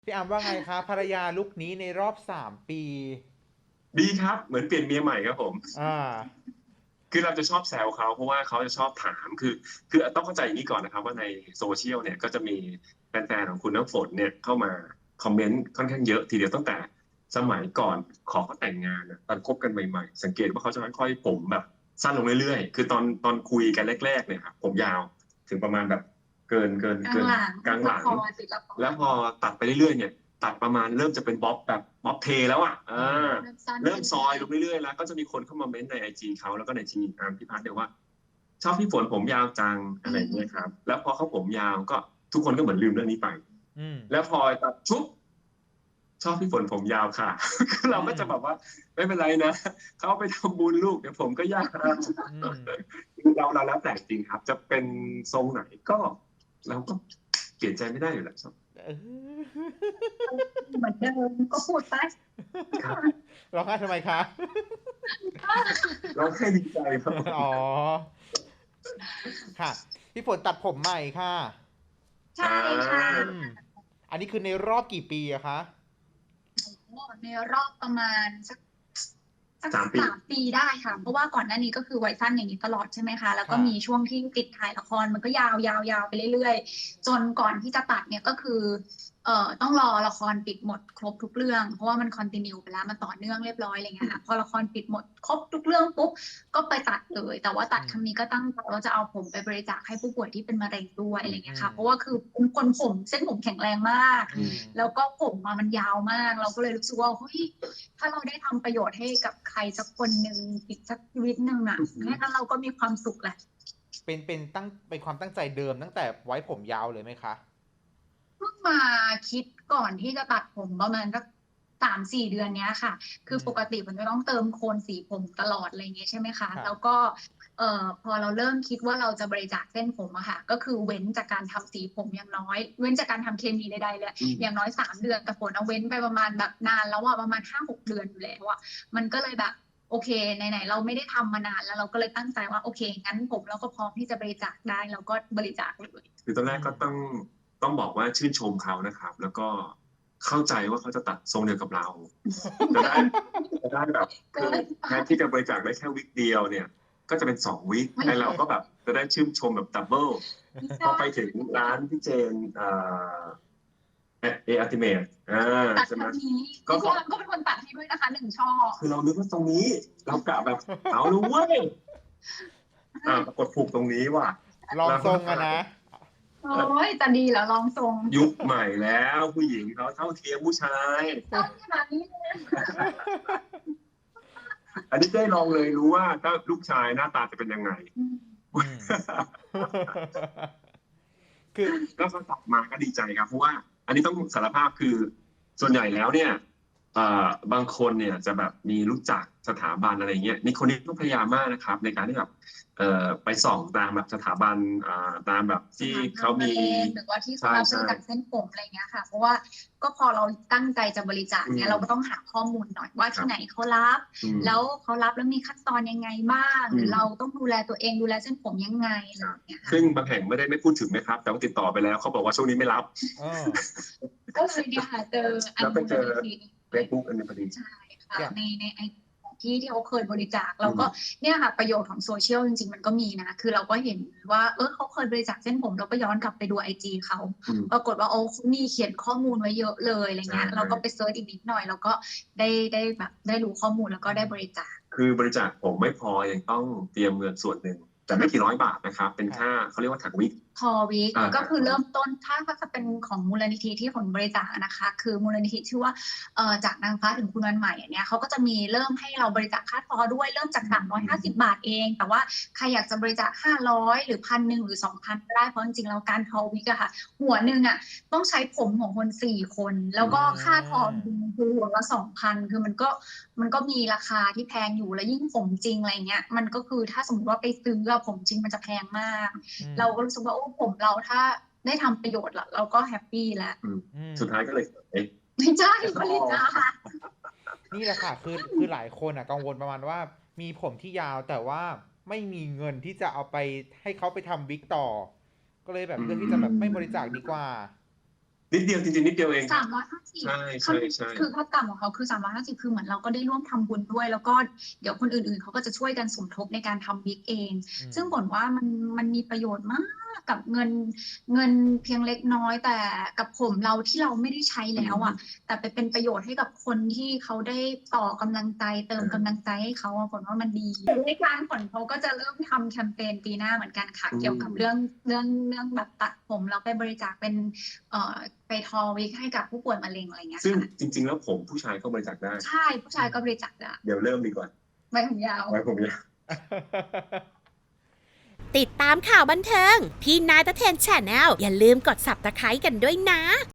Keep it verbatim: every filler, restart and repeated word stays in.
พี่อามว่าไงคะภรรยาลุคนี้ในรอบสามปีดีครับเหมือนเปลี่ยนเมียใหม่ครับผมอ่าคือเราจะชอบแซวเขาเพราะว่าเขาจะชอบถามคือคือต้องเข้าใจอย่างนี้ก่อนนะครับว่าในโซเชียลเนี่ยก็จะมีแฟนๆของคุณน้ำฝนเนี่ยเข้ามาคอมเมนต์ค่อนข้างเยอะทีเดียวตั้งแต่สมัยก่อนขอเขาแต่งงานอะตอนคบกันใหม่ๆสังเกตว่าเขาจะค่อยๆผมแบบสั้นลงเรื่อยๆคือตอนตอนคุยกันแรกๆเนี่ยครับผมยาวถึงประมาณแบบเกินเกินกลางเกินหลังกลางหลังละครติดละครแล้วพอตัดไปเรื่อยๆเนี่ยตัดประมาณเริ่มจะเป็นบ๊อบแบบบ๊อบเทแล้วอ่ะอ่อืมาเริ่มสั้นเริ่มซอยขึ้นเรื่อยลงเรื่อยๆแล้วก็จะมีคนเข้ามาเม้นต์ในไอจีเขาแล้วก็ในทีอาร์มพี่พัฒน์เนี่ยว่าชอบพี่ฝนผมยาวจังๆอือะไรอย่างเงี้ยครับมแล้วพอเขาผมยาวก็ทุกคนก็เหมือนลืมเรื่องนี้ไปอืมแล้วพอตัดชุบชอบพี่ฝนผมยาวค่ะคืออืเราก็มจะแบบว่าไม่เป็นไรนะเขาไปทำบุญลูกเดี๋ยวผมก็ยาวอืมเราเราแล้วแต่จริงครับจะเป็นทรงไหนก็เราก็เปลี่ยนใจไม่ได้อยู่แล้วเออเหมือนเดิมก็พูดไปครับร้องไห้ทำไมคะเราแค่ดีใจครับอ๋อค่ะพี่ฝนตัดผมใหม่ค่ะใช่อ่ค่ะาอืมอันนี้คือในรอบกี่ปีอะคะโอ้ในรอบประมาณสักสักสามปีสามปีได้ค่ะเพราะว่าก่อนหน้านี้ก็คือไว้สั้นอย่างนี้ตลอดใช่ไหมคะแล้วก็ค่ะมีช่วงที่ติดถ่ายละครมันก็ยาวยาวยาวไปเรื่อยๆจนก่อนที่จะตัดเนี่ยก็คือเอ่อต้องรอละครปิดหมดครบทุกเรื่องเพราะว่ามันคอนติเนียไปแล้วมันต่อเนื่องเรียบร้อยอะไรเงี้ยค่ะพอละครปิดหมดครบทุกเรื่องปุ๊บก็ไปตัดเลยแต่ว่าตัดอืมครั้งนี้ก็ตั้งใจว่าจะเอาผมไปบริจาคให้ผู้ป่วยที่เป็นมะเร็งด้วยอะไรเงี้อืมยค่ะเพราะว่าคือเป็นคนผมเส้นผมแข็งแรงมากอืมแล้วก็ผมมามันยาวมากเราก็เลยรู้สึกว่าเฮ้ยถ้าเราได้ทำประโยชน์ให้กับใครสักคนหนึ่งอีกสักชีวิตหนึ่งอ่ะแค่นั้นเราก็มีความสุขแหละเป็นเป็นตั้งเป็นความตั้งใจเดิมตั้งแต่ไว้ผมยาวเลยไหมคะเพิ่งมาคิดก่อนที่จะตัดผมประมาณสักสามสี่เดือนเนี้ยค่ะคืออืมปกติมันจะต้องเติมโคนสีผมตลอดอะไรอย่างเงี้ยใช่ไหมคะค่ะแล้วก็เอ่อพอเราเริ่มคิดว่าเราจะบริจาคเส้นผมอะค่ะก็คือเว้นจากการทำสีผมอย่างน้อยเว้นจากการทำเคมีใดๆเลยอืมอย่างน้อยสามเดือนแต่ฝนเอาเว้นไปประมาณแบบนานแล้วอะประมาณห้าหกเดือนอยู่แล้วอะ มันก็เลยแบบโอเคไหนๆเราไม่ได้ทำมานานแล้วเราก็เลยตั้งใจว่าโอเคงั้นผมเราก็พร้อมที่จะบริจาคได้เราก็บริจาคเลยคือตอนแรอืมกก็ต้องต้องบอกว่าชื่นชมเขานะครับแล้วก็เข้าใจว่าเขาจะตัดทรงเดียวกับเราจะได้เกินจะได้แบบคือเกินไปแทนที่จะบริจาคได้แค่วิกเดียวเนี่ยก็จะเป็นสองวิกไม่ไอ้เราก็แบบจะได้ชื่นชมแบบดับเบิลไม่พอใช่ไปถึงร้านพี่เจนเอ่อเอเออัติเมทอ่าตัดใช่ไหมทางนี้ก็ก็พี่พี่อาร์มก็เป็นคนตัดให้ด้วยนะคะหนึ่งช่อคือเรานึกว่าตรงนี้เรากะแบบเอาเลยเว้ยอ่าปรากฏถูกตรงนี้ว่ะลองแล้วก็ทรงอะนะโอ้ยจะดีเหรอลองทรงยุคใหม่แล้วผู้หญิงเขาเท่าเทียมผู้ชายต้องขนาดนี้เลยอันนี้ได้ลองเลยรู้ว่าถ้าลูกชายหน้าตาจะเป็นยังไงอืมอืมคือก็เขาตอบมาก็ดีใจครับเพราะว่าอันนี้ต้องสารภาพคือส่วนใหญ่แล้วเนี่ยเอ่อบางคนเนี่ยจะแบบมีรู้จักสถาบันอะไรเงี้ยนี่คนนี้ต้องพยายามมากนะครับในการที่แบบเอ่อไปส่องตามแบบสถาบันอ่าตามแบบที่สถาบัเขามีนมะเร็งหรือว่าที่เขาใช่รับบใช่ริจาคเส้นผมอะไรเงี้ยค่ะเพราะว่าก็พอเราตั้งใจจะบริจาคอืเนี่ยเราก็ต้องมหาข้อมูลหน่อยว่าครับที่ไหนเขารับอืมแล้วเขารับแล้วมีขั้นตอนยังไงบ้างหรืออืมเราต้องดูแลตัวเองดูแลเส้นผมยังไงอะไรครับอย่างเงี้ยค่ะซึ่งบางแห่งไม่ได้ไม่พูดถึงนะครับแต่ว่าติดต่อไปแล้วเขาบอกว่าช่วงนี้ไม่รับเออก็เลยเนี่ยค่ะเจออันมูแล้วไปเจอลนิธิเฟซบุ๊กอันนี้พอดีใช่ค่ะอย่างในในไอของที่ที่เขาเคยบริจาคแล้วก็อืมเนี่ยค่ะประโยชน์ของโซเชียลจริงๆมันก็มีนะคือเราก็เห็นว่าเออเขาเคยบริจาคเส้นผมเราก็ย้อนกลับไปดูไอจีเขาอืมปรากฏว่าโอ้เขามีเขียนข้อมูลไว้เยอะเลยอะไรใช่เงี้ยเราก็ไปเซิร์ชอีกนิดหน่อยแล้วก็ได้ได้แบบได้รู้ข้อมูลแล้วก็ได้บริจาคคือบริจาคผมไม่พอยังต้องเตรียมเงินส่วนหนึ่งแต่ไม่กี่ร้อยบาทนะครับเป็นค่ะค่าเขาเรียกว่าถักวิกพอวิกอ่าก็คือถักวิกเริ่มต้นถ้าถ้าจะเป็นของมูลนิธิที่ผลบริจาคนะคะคือมูลนิธิชื่อว่าเอ่อจากนางฟ้าถึงคุณวันใหม่อันเนี้ยเขาก็จะมีเริ่มให้เราบริจาคค่าทอด้วยเริ่มจากสามร้อยห้าสิบบาทเองแต่ว่าใครอยากจะบริจาคห้าร้อยหรือพันหนึ่งหรือสองพันก็ได้เพราะจริงๆแล้วการทอวิกอะค่ะหัวหนึ่งอะต้องใช้ผมของคนสี่คนแล้วอืก็ค่าทอมคือหัวละสองพันคือมันก็มันก็มีราคาที่แพงอยู่แล้วยิ่งผมจริงอะไรเงี้ยมันก็คือถ้าสมมติว่าไปซื้ออะผมจริงมันจะแพงมากอืมเราก็รู้สึกว่าโอ้ผมเราถ้าได้ทำประโยชน์ละเราก็แฮปปี้แล้วอืมอืมสุดท้ายก็เลยเอ๊ะไม่ใช่แอลกอฮอล์บริจาคนี่แหละค่ะคือคือหลายคนอ่ะกังวลประมาณว่ามีผมที่ยาวแต่ว่าไม่มีเงินที่จะเอาไปให้เขาไปทำวิกต่อก็เลยแบบอืเลือกที่จะแบบไม่บริจาคดีมกว่านิดเดียวจริงๆนิดเดียวเองสามร้อยห้าสิบใช่ใช่ใช่คือค่าต่ำของเขาคือสามร้อยห้าสิบคือเหมือนเราก็ได้ร่วมทำบุญด้วย แล้วก็เดี๋ยวคนอื่นๆเขาก็จะช่วยกันสมทบในการทำวิกเองอืมซึ่งผลว่ามันมันมีประโยชน์มากกับเงินเงินเพียงเล็กน้อย แต่กับผมเราที่เราไม่ได้ใช้แล้วอ่ะ แต่ไปเป็นประโยชน์ให้กับคนที่เขาได้ต่อกำลังใจเติมกำลังใจให้เขาอะผลว่ามันดีในการผลเขาก็จะเริ่มทำแคมเปญปีหน้าเหมือนกันค่ะอืมเกี่ยวกับเรื่องเรื่องเรื่องแบบตัดผมแล้วไปบริจาคเป็นเอ่อไปทอวิกให้กับผู้ป่วยมะเร็งอะไรเงี้ยซึ่งค่ะจริง ๆ แล้วผมผู้ชายก็บริจาคได้ใช่ผู้ชายก็บริจาคได้เดี๋ยวเริ่มดีกว่าไว้ผมยาวไว้ผมเนี่ยติดตามข่าวบันเทิง พี่นายตะเทน Channel อย่าลืมกด Subscribe กันด้วยนะ